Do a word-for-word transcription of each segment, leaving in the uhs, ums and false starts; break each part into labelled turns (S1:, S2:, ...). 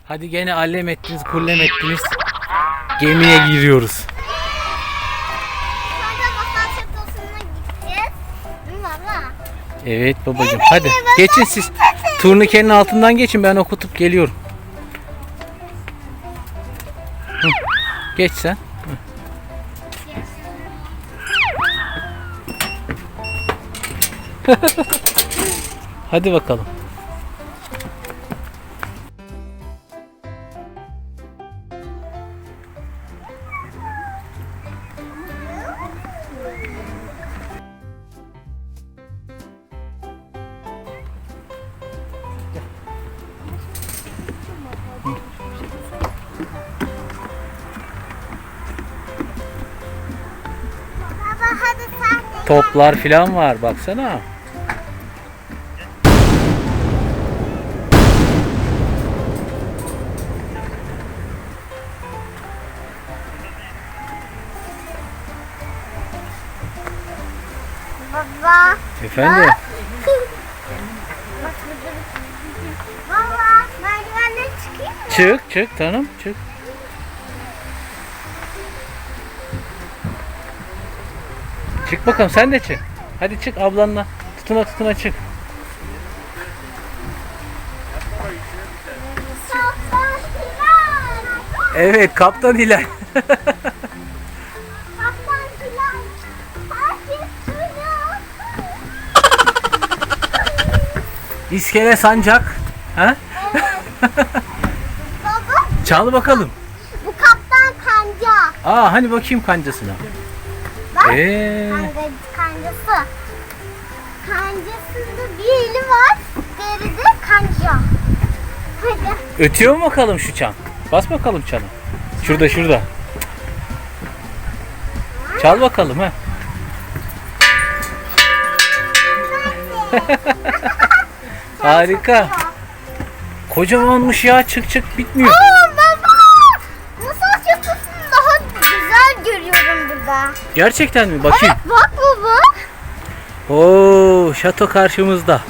S1: Hadi gene allem ettiniz, kullem ettiniz. Gemiye giriyoruz.
S2: Sonra masal çatısına gideceğiz. Değil mi baba?
S1: Evet babacığım. Hadi geçin siz. Turnikenin altından geçin, ben okutup geliyorum. Hı. Geç sen. Hı. Hadi bakalım.
S2: Baba hadi sen de.
S1: Toplar filan var, baksana.
S2: Baba.
S1: Efendim?
S2: Bak burada bir- Baba merdivenden çıkayım mı?
S1: Çık çık tanım çık. Çık bakalım, sen de çık. Hadi çık ablanla. Tutuna tutuna çık.
S2: Kaptan Hilal.
S1: Evet, kaptan Hilal.
S2: Kaptan Hilal. Herkes duyuyor.
S1: İskele sancak. Ha?
S2: Baba
S1: Çal bakalım.
S2: bu kaptan kanca.
S1: Aa, hani bakayım kancasına.
S2: Bak.
S1: Ee,
S2: Kanka, kancası. Kancasında bir eli var. Diğeri de kanca. Hadi.
S1: ötüyor mu bakalım şu çan? Bas bakalım çana. Şurada şurada. Çal bakalım ha. Harika. Kocamanmış ya, çık çık bitmiyor.
S2: Aa baba. Masal çatısını daha güzel görüyorum burada.
S1: Gerçekten mi? Bakayım.
S2: Evet bak baba.
S1: Oo, şato karşımızda.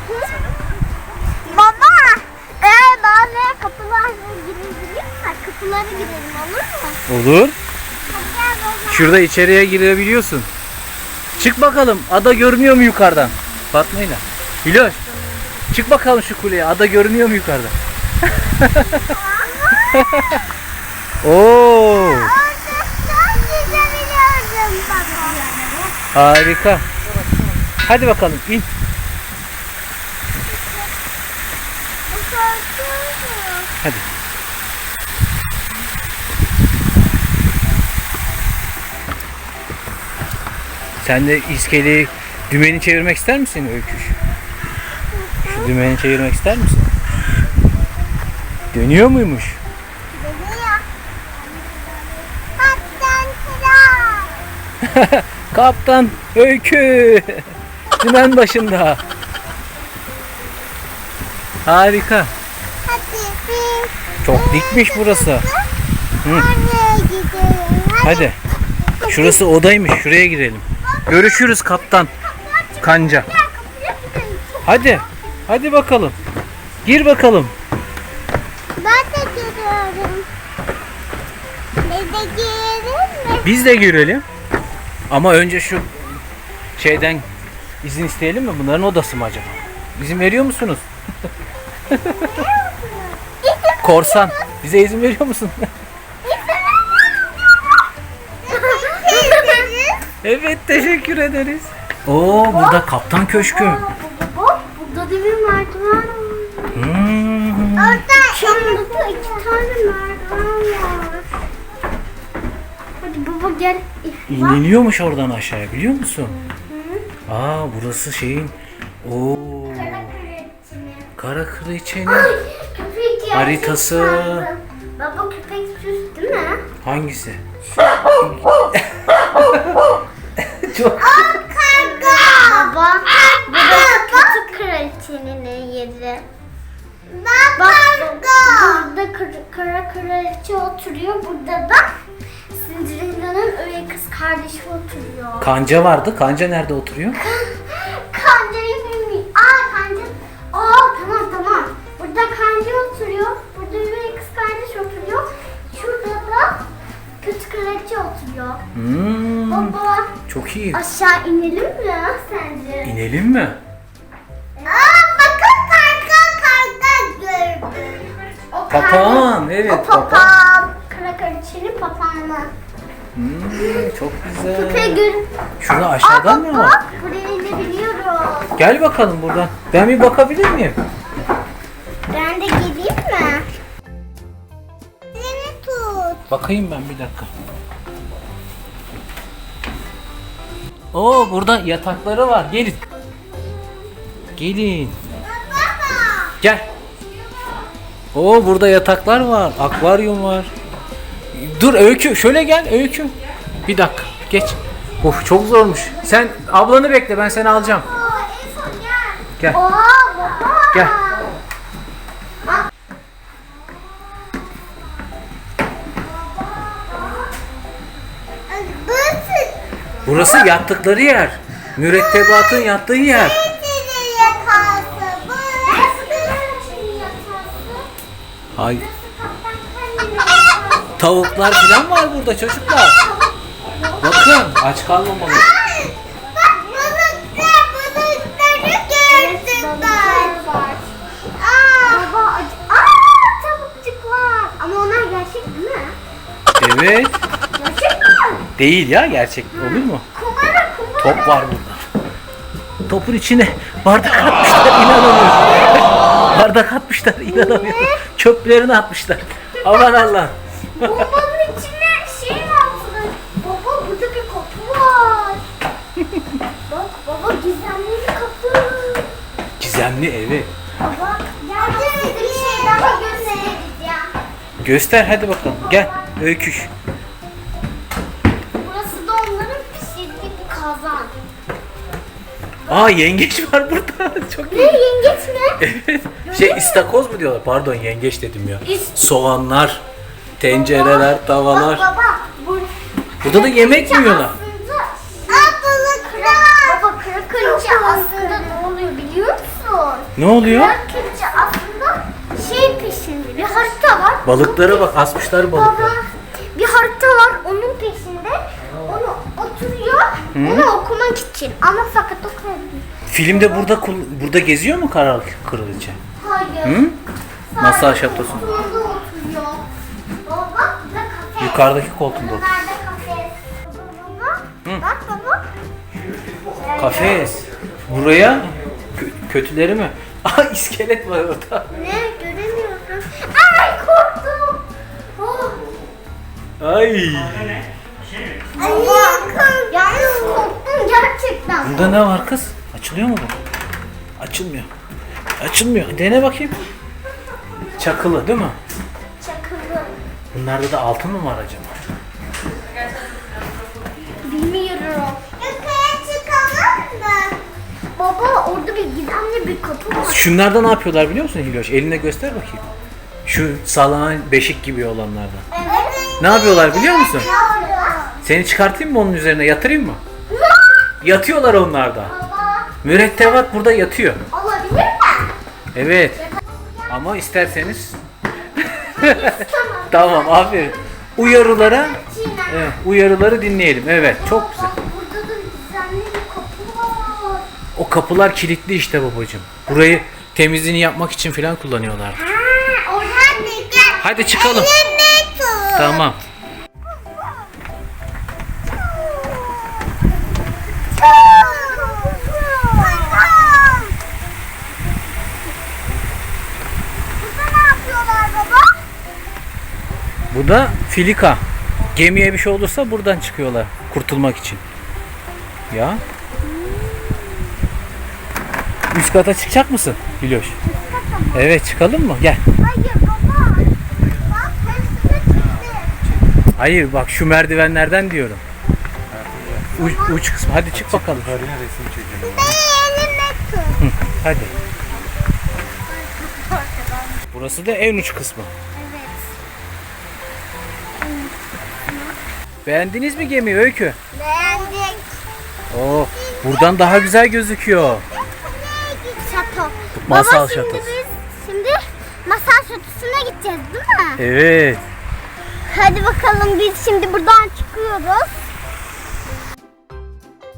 S2: Baba. Eğer bazı kapılarla girebilirsek kapılara girelim olur mu?
S1: Olur.
S2: Hadi gel baba.
S1: Şurada içeriye girebiliyorsun. Çık bakalım. Ada görünüyor mu yukarıdan? Fatma'yla. Hiloş. Çık bakalım şu kuleye. Ada görünüyor mu yukarıdan? Oo,
S2: Orada gidebiliyorum baba.
S1: harika. Hadi bakalım in. Hadi. Sen de iskeleyi, dümeni çevirmek ister misin Öyküş? Şu dümeni çevirmek ister misin? Dönüyor muymuş?
S2: Geliyor. Kaptan Hilal.
S1: Kaptan Öykü. Dümen başında. Harika.
S2: Hadi biz
S1: Çok dikmiş burası. Hı.
S2: oraya gidelim.
S1: Hadi. Şurası odaymış. Şuraya girelim. Görüşürüz kaptan kanca.
S2: Gel kapıya gidelim.
S1: Hadi. Hadi bakalım. Gir bakalım.
S2: Ben de geliyorum. Biz de girelim mi?
S1: Biz de girelim. Ama önce şu şeyden izin isteyelim mi? Bunların odası mı acaba? İzin veriyor musunuz? Korsan. Bize izin veriyor musun? Evet, teşekkür ederiz. Oo, burada kaptan köşkü.
S2: Bak burada demir merdiven var.
S1: Hmm.
S2: Orada da iki tane merdiven var. Hadi baba gel.
S1: İniliyormuş oradan aşağıya, biliyor musun? Aa, burası şeyin o Kara Kraliçe'nin
S2: Köpek
S1: haritası.
S2: sandım. Baba köpek süs değil mi?
S1: Hangisi? Çok
S2: Karga. Baba burası kötü kraliçenin yeri. Bak burada kara, kara kraliçe oturuyor. Burada da Cinderella'nın üvey kız kardeşi oturuyor.
S1: Kanca vardı. Kanca nerede oturuyor?
S2: Kancayı bilmiyorum. Aa kanca. Aa tamam tamam. Burada kanca oturuyor. Burada üvey kız
S1: bakayım.
S2: Aşağı inelim mi ya sence?
S1: İnelim mi?
S2: Aa bakın karga karga gördüm. O
S1: Papağan, evet,
S2: O papağan. Kara kraliçenin papağanı.
S1: Hmm, çok güzel.
S2: Köpeği görün.
S1: Şurada aşağıdan ne var?
S2: Bak buraya inebiliyoruz.
S1: Gel bakalım buradan. Ben bir bakabilir miyim?
S2: Ben de geleyim mi? Seni tut.
S1: Bakayım ben bir dakika. Oo, burada yatakları var. Gelin. Gelin. Gel. Oo, burada yataklar var. Akvaryum var. Dur Öykü, şöyle gel Öykü. Bir dakika, geç. Of, çok zormuş. Sen ablanı bekle, ben seni alacağım.
S2: Aa en son gel.
S1: Gel.
S2: Oha baba.
S1: Gel.
S2: Burası
S1: Burası yattıkları yer. Mürettebatın yattığı yer.
S2: senin yakası. Burası senin yakası.
S1: Hay.
S2: Kaptan kendine yakası.
S1: Tavuklar falan var burada çocuklar. Bakın, aç kalmamalı.
S2: Bak balıklar, balıkları gördüm ben. Aa, baba, ac- aa, tavukçuklar. Ama onlar gerçek değil mi?
S1: Evet.
S2: Gerçek mi?
S1: Değil ya, gerçek olur mu?
S2: Kumara, kumara.
S1: Top var burada. Topun içine bardak atmışlar, inanamıyorum. Bardak atmışlar, inanamıyorum. Çöplerini atmışlar. Aman Allah.
S2: Bombanın içine şey mi atılır? Baba burada bir kapı var. Bak baba gizemli bir kapı.
S1: Gizemli evi.
S2: Baba gel size bir şey daha göstereceğim.
S1: Göster hadi bakalım. Gel Öyküş.
S2: Burası da onların pişirdiği bir kazan.
S1: Aa, yengeç var burada. Çok
S2: Ne
S1: iyi.
S2: yengeç mi?
S1: Evet. Şey, istakoz mu diyorlar? Pardon, yengeç dedim ya.
S2: İst-
S1: Soğanlar, tencereler, tavalar.
S2: Bak baba. Bu...
S1: Burada da yemek mi yiyorlar?
S2: Aslında... Aa balıklar. Baba kara kraliçe aslında ne oluyor biliyor musun?
S1: Ne oluyor?
S2: Kara kraliçe aslında şey peşinde bir harita var.
S1: Balıklara bak, asmışlar
S2: Baba
S1: balıkları.
S2: bir harita var onun peşinde. Onu oturuyor. Onu okumak için. Ama fakat okuyabilir.
S1: Filmde burada kul- burada geziyor mu Kara Kraliçe?
S2: Hayır.
S1: Hı? Masal şatosu.
S2: Koltuğunda oturuyor. Baba bak burada kafe.
S1: Yukarıdaki koltuğunda oturuyor.
S2: Nerede kafe? Baba,
S1: Hı.
S2: bak baba.
S1: Kafes. Buraya kö- kötüleri mi? Aa, iskelet var orada.
S2: Ne göremiyorum. Ay korktum. Oh.
S1: Ay.
S2: Ay yalnız korktum gerçekten.
S1: Burada ne var kız? Açılıyor mu bu? Açılmıyor. Açılmıyor. Dene bakayım. Çakılı değil mi?
S2: Çakılı.
S1: Bunlarda da altın mı var acaba?
S2: Bilmiyorum. Yukarı çıkalım mı? Baba orada bir gizemli bir kapı var.
S1: Şunlarda ne yapıyorlar biliyor musun Hiloş? Eline göster bakayım. Şu sallanan beşik gibi olanlardan.
S2: Evet.
S1: Ne yapıyorlar biliyor musun?
S2: Ne orada?
S1: Seni çıkartayım mı onun üzerine, yatırayım mı? Yatıyorlar onlarda.
S2: Baba
S1: Mürettebat burada yatıyor.
S2: olabilir mi?
S1: Evet. Ama isterseniz... Tamam, aferin. Uyarılara, evet, uyarıları dinleyelim. Evet, çok güzel.
S2: Bak burada da gizemli bir kapı var.
S1: O kapılar kilitli işte babacığım. Burayı temizliğini yapmak için falan kullanıyorlar.
S2: Ha, oradan bir gel.
S1: Hadi çıkalım.
S2: Elimi tut.
S1: Tamam.
S2: Burada ne yapıyorlar baba?
S1: Bu da filika. Gemiye bir şey olursa buradan çıkıyorlar kurtulmak için. Ya. Üst kata çıkacak mısın Hiloş? Evet, çıkalım mı? Gel.
S2: Hayır baba. Bak hepsini çıktı.
S1: Hayır, bak şu merdivenlerden diyorum. Uç, uç kısmı. Hadi çık bakalım.
S2: Elimi tut.
S1: Hadi. Burası da en uç kısmı.
S2: Evet.
S1: Beğendiniz mi gemiyi Öykü?
S2: Beğendik.
S1: Oo, buradan daha güzel gözüküyor.
S2: Şato.
S1: Masal
S2: Baba, şimdi
S1: şatosu.
S2: biz şimdi masal şatosuna gideceğiz değil mi?
S1: Evet.
S2: Hadi bakalım biz şimdi buradan çıkıyoruz.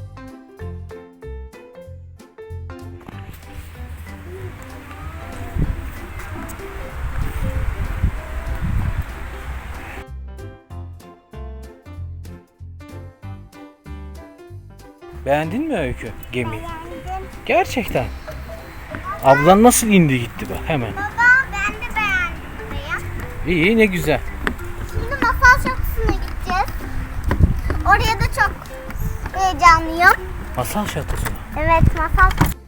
S1: Beğendin mi Öykü gemiyi?
S2: Beğendim.
S1: Gerçekten. Ablan nasıl indi gitti bak hemen.
S2: Baba ben de beğendim ya.
S1: İyi ne güzel.
S2: Şimdi masal şatosuna gideceğiz. Oraya da çok heyecanlıyım.
S1: Masal şatosuna.
S2: Evet masal